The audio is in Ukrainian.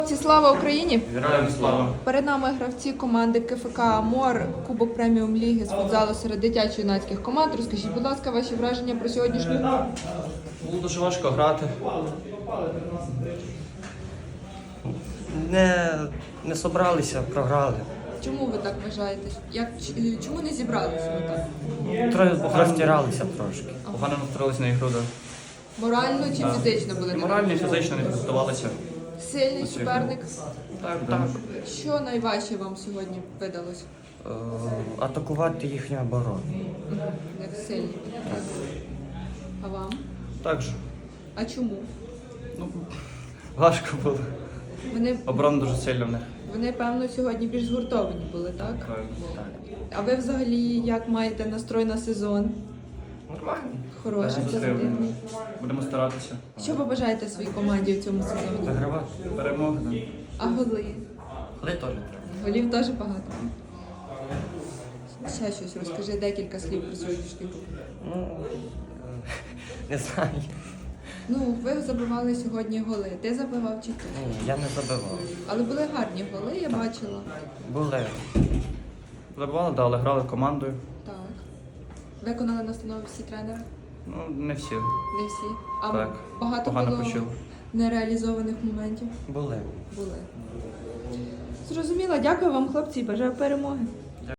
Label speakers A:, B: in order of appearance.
A: Слава Україні!
B: Героям слава!
A: Перед нами гравці команди КФК «Амор», Кубок преміум ліги з футзалу серед дитячо-юнацьких команд. Розкажіть, будь ласка, ваші враження про сьогоднішню гру?
B: Було дуже важко грати.
C: Не собралися, програли.
A: Чому ви так вважаєте? Чому не зібралися ви так?
C: Трохи розтиралися трошки.
B: Погано настроїлися на ігру.
A: Морально чи фізично були?
B: Морально і фізично не підготувалися.
A: Сильний суперник?
B: Так.
A: Що найважче вам сьогодні видалось?
C: Атакувати їхню оборону.
A: Як сильні? Так. А вам?
B: Так же.
A: А чому?
B: Важко було.
A: Вони,
B: Оборона дуже сильна в них.
A: вони, певно, сьогодні більш згуртовані були, так?
B: Так.
A: А ви взагалі як маєте настрой на сезон?
B: Нормально.
A: Хороший,
B: Позитивно.
A: позитивний.
B: Будемо старатися.
A: Що ви бажаєте своїй команді у цьому сезоні?
C: Вигравати.
B: Перемоги.
A: А голи?
C: Але теж треба.
A: Голів теж багато. Ще щось розкажи декілька слів про сьогоднішню гру.
C: Не знаю.
A: Ну, ви забивали сьогодні голи. Ти забивав чи ти?
C: Ні, я не забивав.
A: Але були гарні голи, я бачила.
C: Були.
B: Забували, але грали командою.
A: Так. Виконали настанови всі тренери?
B: Не всі.
A: Не всі. А
B: Так.
A: багато
B: Погано
A: було
B: почули.
A: нереалізованих моментів?
C: Були.
A: Були. Зрозуміло. Дякую вам, хлопці, і бажаю перемоги.